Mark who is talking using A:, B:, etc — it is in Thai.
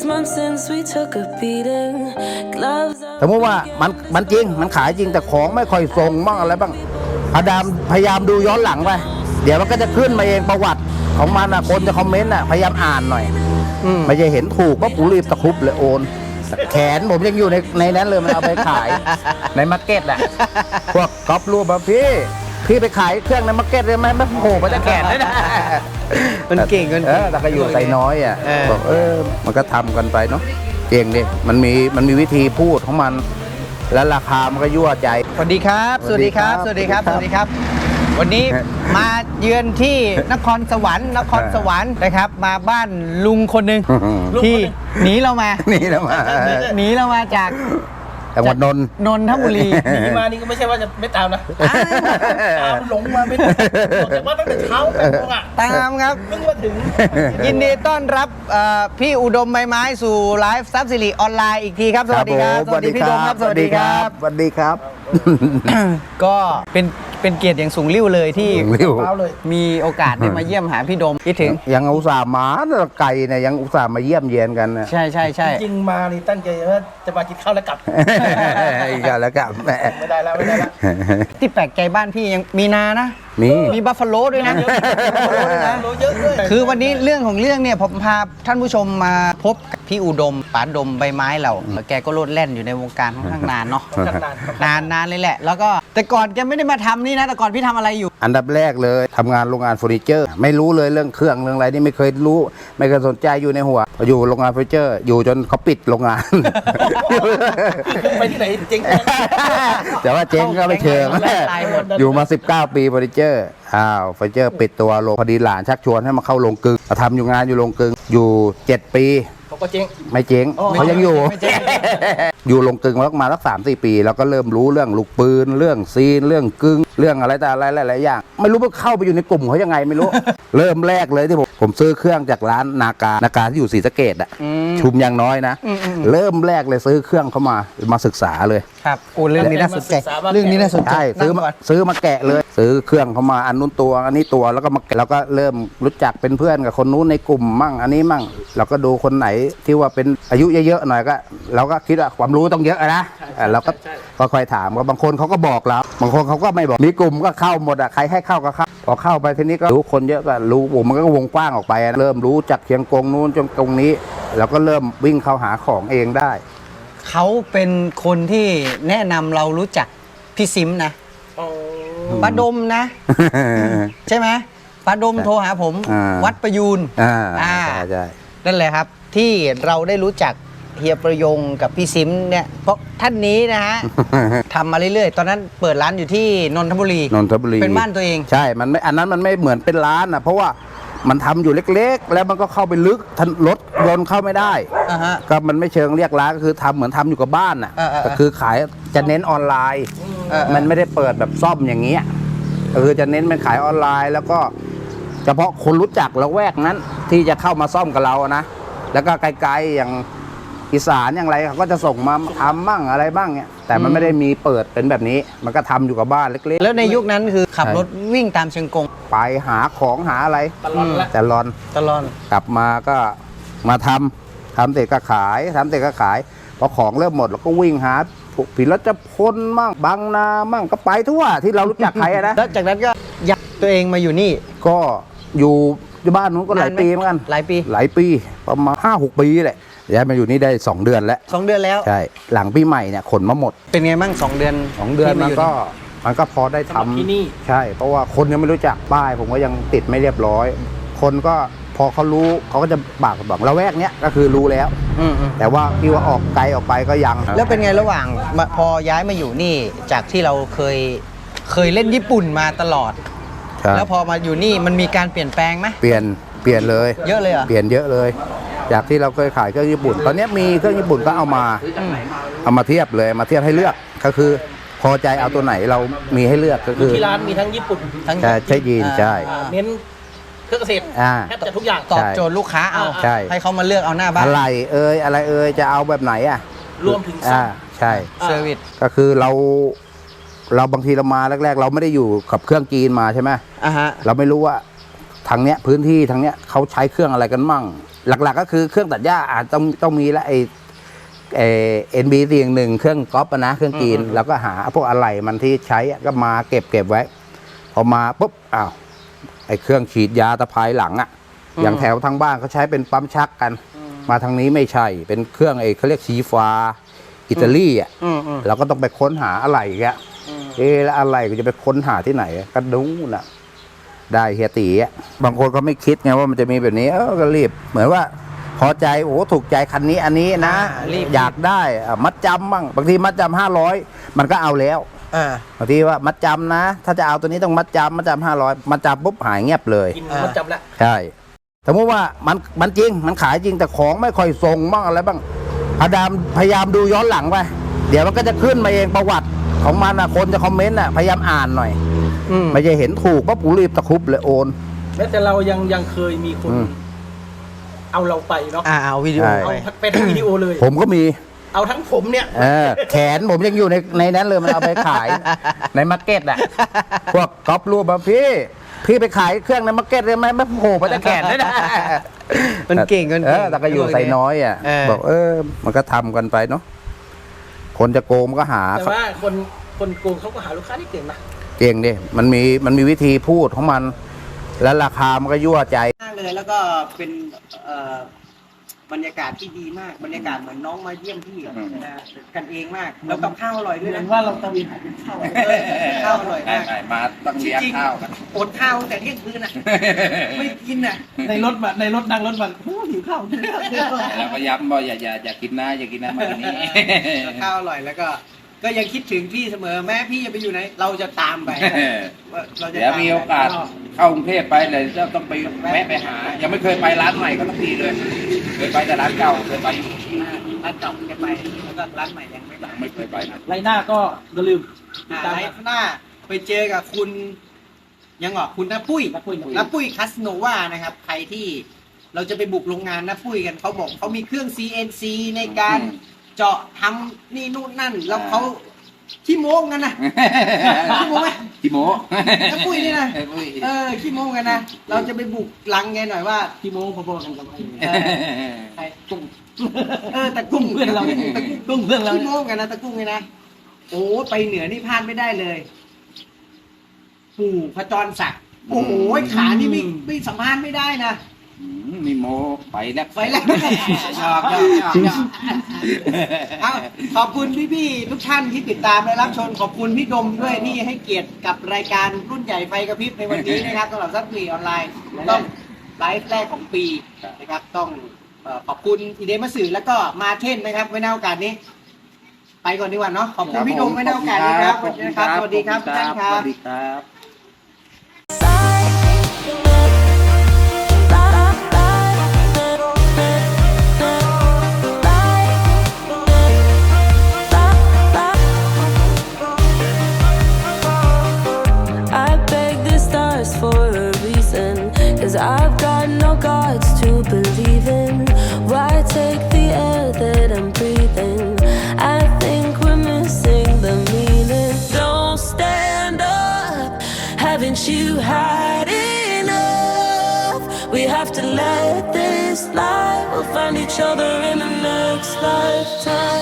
A: months since we took a beating. Gloves
B: สมมติว่ามันจริงมันขายจริงแต่ของไม่ค่อยส่งบ้างอะไรบ้างพยายามดูย้อนหลังไปเดี๋ยวมันก็จะขึ้นมาเองประวัติของมันนะคนจะคอมเมนต์นะพยายามอ่านหน่อยไม่ใช่เห็นถูกก็ผมรีบตะครุบเลยโอนแขนผมยังอยู่ในนั้นเลยมันเอาไปขายในมาร์เก็ตอ่ะพวกก๊อปรูปแบบพี่ไปขายเครื่องในมาร์เก็ตเลยไหมไม่โผล่มาจะแขนเลยนะ
C: มันเก่ง
B: แต่ก็อยู่ใส่น้อยอ่ะบอกมันก็ทำกันไปเนาะเก่งดิมันมีวิธีพูดของมันแล้วราคามันก็ยั่วใจ
C: สวัสดีครับสวัสดีครับสวัสดีครับสวัสดีครับ วันนี้มาเยือนที่นครสวรรค์นะครับมาบ้านลุงคนหนึ่งที่หนีเรามาจาก
B: จังหวัดนน
C: ทบุรี
D: หนีมานี่ก็ไม่ใช่ว่าจะไม่ตามนะตามหลงมาไม่ได้แต่ว่าตั้งแต่เช้า
C: ตามครับ
D: เพิ่งมาถึง
C: ยินดีต้อนรับพี่อุดมใบไม้สู่ไลฟ์ซับซิริออนไลน์อีกทีครับสวัสดีครับ
B: สวัสดีพี่อุดมครับสวัสดีครับสวัสดีครับ
C: ก็เป็นเกียรติอย่างสูงลิ่วเลยที่มีโอกาสได้มาเยี่ยมหาพี่ดมคิดถึง
B: ยังอุตส่าห์มาไกลเนี่ยยังอุตส่าห์มาเยี่ยมเยียนกัน
C: ใช่
D: จริงมานี่ตั้งใจว่าจะมากินข้าวแล้วกลับ
B: อีกแล้วกลับ
D: ไม่ได้แล้ว
C: ที่แปลกใจบ้านพี่ยังมีนานะมีบัฟฟาโลด้วยนะคือวันนี้เรื่องของเรื่องเนี่ยผมพาท่านผู้ชมมาพบกับพี่อุดมป๋าดมใบไม้เราแกก็โลดแล่นอยู่ในวงการค่อนข้างนานเนาะนานเลยแหละแล้วก็แต่ก่อนแกไม่ได้มาทำนี่นะแต่ก่อนพี่ทำอะไรอยู่
B: อันดับแรกเลยทำงานโรงงานเฟอร์นิเจอร์ไม่รู้เลยเรื่องเครื่องเรื่องอะไรนี่ไม่เคยรู้ไม่เคยสนใจอยู่ในหัวอยู่โรงงานเฟอร์นิเจอร์อยู่จนเขาปิดโรงงาน
D: ไปที่ไหนเจ๊ง
B: แต่ว่าเจ๊งก็ไม่เชิงอยู่มา19 ปีเฟอร์นิเจอร์เฟอร์นิเจอร์ปิดตัวลงพอดีหลานชักชวนให้มาเข้าโรงกลึงทำอยู่งานอยู่โรงกลึงอยู่7 ปี
D: เขาก็เจ๊ง
B: ไม่เจ๊งเขายังอยู่อยู่โรงกลึงมาสัก3-4 ปีแล้วก็เริ่มรู้เรื่องลูกปืนเรื่องซีนเรื่องกึ่งเรื่องอะไรแต่อะไรหลายๆอย่างไม่รู้ว่าเข้าไปอยู่ในกลุ่มเขายังไงไม่รู้ เริ่มแรกเลยที่ผมซื้อเครื่องจากร้านนากาที่อยู่ศรีสะเกษอ่ะชุมยังน้อยนะเริ่มแรกเลยซื้อเครื่องเข้ามาศึกษาเลย
C: ครับโอ้เรื่องนี้น่าสนใจใช่
B: ซื้อมาแกะเลยซื้อเครื่องเข้ามาอันนู้นตัวอันนี้ตัวแล้วก็มาแล้วก็เริ่มรู้จักเป็นเพื่อนกับคนนู้นในกลุ่มมั่งอันนี้มั่งเราก็ดูคนไหนที่ว่าเป็นอายุเยอะๆหน่อยก็เราก็คิดว่าความรู้ต้องเยอะนะเราก็ค่อยถามบางคนเขาก็บอกเราบางคนเขาก็ไม่บอกมีกลุ่มก็เข้าหมดใครให้เข้าก็เข้าพอเข้าไปทีนี้ก็รู้คนเยอะก็รู้มันก็วงกว้างออกไปเริ่มรู้จักเชียงกงนู้นจนตรงนี้เราก็เริ่มวิ่งเข้าหาของเองได้
C: เขาเป็นคนที่แนะนำเรารู้จักพี่ซิมนะป้าดมนะใช่ไหมป้าดมโทรหาผมวัดประยูน
B: ใช่
C: นั่นแหละครับที่เราได้รู้จักเฮียประยงกับพี่ซิมเนี่ยเพราะท่านนี้นะฮะทำมาเรื่อยๆตอนนั้นเปิดร้านอยู่ที่นนทบุรีเป็นบ้านตัวเอง
B: ใช่มันไม่อันนั้นมันไม่เหมือนเป็นร้านนะเพราะว่ามันทำอยู่เล็กๆแล้วมันก็เข้าไปลึกรถยนต์เข้าไม่ได้ก็มันไม่เชิงเรียกร้านก็คือทำเหมือนทำอยู่กับบ้านน่ะก็คือขายจะเน้นออนไลน์มันไม่ได้เปิดแบบซ่อมอย่างเงี้ยคือจะเน้นเป็นขายออนไลน์แล้วก็เฉพาะคนรู้จักละแวกนั้นที่จะเข้ามาซ่อมกับเรานะแล้วก็ไกลๆอย่างอีสานอย่างไรเขาก็จะส่งมาทำบ้างอะไรบ้างเนี่ยแต่มันไม่ได้มีเปิดเป็นแบบนี้มันก็ทำอยู่กับบ้านเล็กๆ
C: แล้วในยุคนั้นคือขับรถวิ่งตามเชียงกง
B: ไปหาของหาอะไรแต่ลอนกลับมาก็มาทำเสร็จก็ขายพอของเริ่มหมดเราก็วิ่งหาผิดแล้วจะพ้นมั่งบางนามั่งก็ไปทั่วที่เรารู้จักใครนะ
C: แล้วจากนั้นก็ย้ายตัวเองมาอยู่นี่
B: ก็อยู่บ้านนู้นก็หลายปีเหมือนกัน
C: หลายปี
B: ประมาณ5-6 ปีแหละย้ายมาอยู่นี่ได้2 เดือนแล้วใช่หลังปีใหม่เนี่ยขนมาหมด
C: เป็นไงบ้าง2 เดือน
B: มันก็พอได้ทำที่นี่ใช่เพราะว่าคนยังไม่รู้จักป้ายผมก็ยังติดไม่เรียบร้อยคนก็พอเขารู้เขาก็จะบอกละแวกเนี้ยก็คือรู้แล้วแต่ว่าที่ว่าออกไกลออกไปก็ยัง
C: แล้วเป็นไงระหว่างพอย้ายมาอยู่นี่จากที่เราเคยเล่นญี่ปุ่นมาตลอดแล้วพอมาอยู่นี่มันมีการเปลี่ยนแปลงไหม
B: เปลี่ยนเลย
C: เยอะเลยเหรอ
B: เปลี่ยนเยอะเลยจากที่เราเคยขายเครื่องญี่ปุ่นตอนนี้มีเครื่องญี่ปุ่นก็เอามาเทียบเลยมาเทียบให้เลือกก็คือพอใจเอาตัวไหนเรามีให้เลือกก็คือ
D: ที่ร้านมีทั้งญี่ปุ่นทั้ง
B: ใช่ยีนใช่
D: เน้นเครื่องเกษตรแทบจะทุกอย่าง
C: ตอบโจทย์ลูกค้าเอาให้เขามาเลือกเอาหน้าบ้าน
B: อะไรจะเอาแบบไหนอ่ะ
D: รวมถึง
B: ใช่
C: เซอร์วิส
B: ก็คือเราบางทีเรามาแรกๆเราไม่ได้อยู่กับเครื่องจีนมาใช่ไหมเราไม่รู้ว่าทางเนี้ยพื้นที่ทางเนี้ยเขาใช้เครื่องอะไรกันมั่ง หลักๆก็คือเครื่องตัดหญ้าอาจต้องมีและไอNB411เครื่องก๊อปนะเครื่องกรีนแล้วก็หาพวกอะไหล่มันที่ใช้ก็มาเก็บไว้ พอมาปุ๊บอ้าวไอเครื่องฉีดยาตะไคร้หลังอ่ะอย่างแถวทางบ้านเขาใช้เป็นปั๊มชักกัน มาทางนี้ไม่ใช่เป็นเครื่องเขาเรียกชีฟ้าอิตาลีอ่ะเราก็ต้องไปค้นหาอะไหล่แกแล้วอะไหล่ก็จะไปค้นหาที่ไหนก็ดูน่ะได้เฮียตีอ่ะบางคนก็ไม่คิดไงว่ามันจะมีแบบนี้ก็รีบเหมือนว่าพอใจโอ้ถูกใจคันนี้อันนี้นะอยากได้มัดจำบ้างบางทีมัดจำ500มันก็เอาแล้วบางทีว่ามัดจำนะถ้าจะเอาตัวนี้ต้องมัดจำ500มัดจำปุ๊บหายเงียบเลย
D: กินมัดจำละ
B: ใช่สมมติว่ามันจริงมันขายจริงแต่ของไม่ค่อยส่งบ้างอะไรบ้างพยายามดูย้อนหลังไปเดี๋ยวมันก็จะขึ้นมาเองประวัติของมันนะคนจะคอมเมนต์พยายามอ่านหน่อยไม่ใช่เห็นถูกปั๊บกูรีบตะคุบเลยโอน
D: แม้แต่เรายังเคยมีคนเอาเราไปเนาะ
C: เอาวิดีโอ
D: เอา
C: ไป
D: เป็นวิดีโอเลย
B: ผมก็มี
D: เอาทั้งผมเนี่ย
B: แขนผมยังอยู่ในนั้นเลยมันเอาไปขาย ในมาร์เก็ตอ่ะพวกก๊อปรูปมาพี่ไปขายเครื่องในมาร์เก็ตเลยไหมไม่โผล่มาแต่แขนเลยนะ
C: มันเก่งกัน
B: แต่ก็อยู่ใส่น้อยอ่ะบอกมันก็ทำกันไปเนาะคนจะโกงมันก็หา
D: แต่ว่าคนโกงเขาก็หาลูกค้าที่เก่งนะ
B: เก่งดิมันมีวิธีพูดของมัน แล้วราคามันก็ยั่วใจ
C: มากเลยแล้วก็เป็นบรรยากาศที่ดีมากบรรยากาศเหมือนน้องมาเยี่ยมพี่กันเองมากแล้วกับข้าวอร่อยด้วย
D: เหมื
C: นะ
D: อนว่าเราตะเวนหาเป็นข้าว
C: ข้าวอร่อยมาก
B: มาต้องเลี้ยงข้าวกัน
C: อดข้าวตั้งแต่เที่ยงคืนอ่ะไม่กินอ่ะ
D: ในรถนั่งรถมันหิวข้าว
B: เราก็ย้ำว่าอย่ากินนะอย่ากินนะมาที่นี่
C: ข้าวอร่อยแล้วก็ยังคิดถึงพี่เสมอแม้พี่จะไปอยู่ไหนเราจะตามไปเราจะ
B: เดี๋ยวมีโอกาสเข้ากรุงเทพไปเลยจะต้องไปแวะไปหา ยังไม่เคยไปร้านใหม่ก็ต้องดีเลยเคยไปแต่ร้านเก่าเคยไปอยู่
C: ร้านเก่าจะไปแล้วก็ร้านใหม่ยังไม่ไป
B: ไม่เคยไปนะ
D: ไรหน้าก็อย่าลืม
C: ไลฟ์หน้าไปเจอกับคุณคุณน้าปุ้ยคัสโนวานะครับใครที่เราจะไปบุกโรงงานน้าปุ้ยกันเขาบอกเขามีเครื่อง CNC ในการเจาะทำนี่นู่นนั่นแล้วเขาขี้โม้กันนะขี้โม้ไหม
B: พี่โม
C: น้าปุ้ยนี่นะขี้โม้กันนะเราจะไปบุกลังแกหน่อยว่า
D: พี่โมพอๆกันกับไอ้
C: ใครกุ้งตะกุ้ง
D: เพื่อนเรากุ้งเพื่อนเรา
C: ขี้โม้กันนะตะกุ้งเลยนะโอ้ไปเหนือนี่พลาดไม่ได้เลยปู่พระจรศักดิ์โอ้โหขานี่ไม่สัมภาษณ์ไม่ได้นะ
B: มีโมไปแล้ว
C: ไปแล้วชอบเอาขอบคุณพี่ๆทุกท่านที่ติดตามและรับชมขอบคุณพี่ดมด้วยที่ให้เกียรติกับรายการรุ่นใหญ่ไฟกระพริบในวันนี้นะครับสำหรับซับวีออนไลน์ต้องไลฟ์แรกของปีนะครับต้องขอบคุณอีเดมัสื่อแล้วก็มาเท่นนะครับไว้ในโอกาสนี้ ไปก่อนดีกว่าเนาะขอบคุณพี่ดมไว้ในโอกาสนี้ครับสวัสดีครับทุกท่านครับ
B: สวัสดีครับ
A: I beg the stars for a reason, 'cause I've got no gods to believe in. Why take the air that I'm breathing? I think we're missing the meaning. Don't stand up, haven't you had enough? We have to let this lie. We'll find each other in the next lifetime.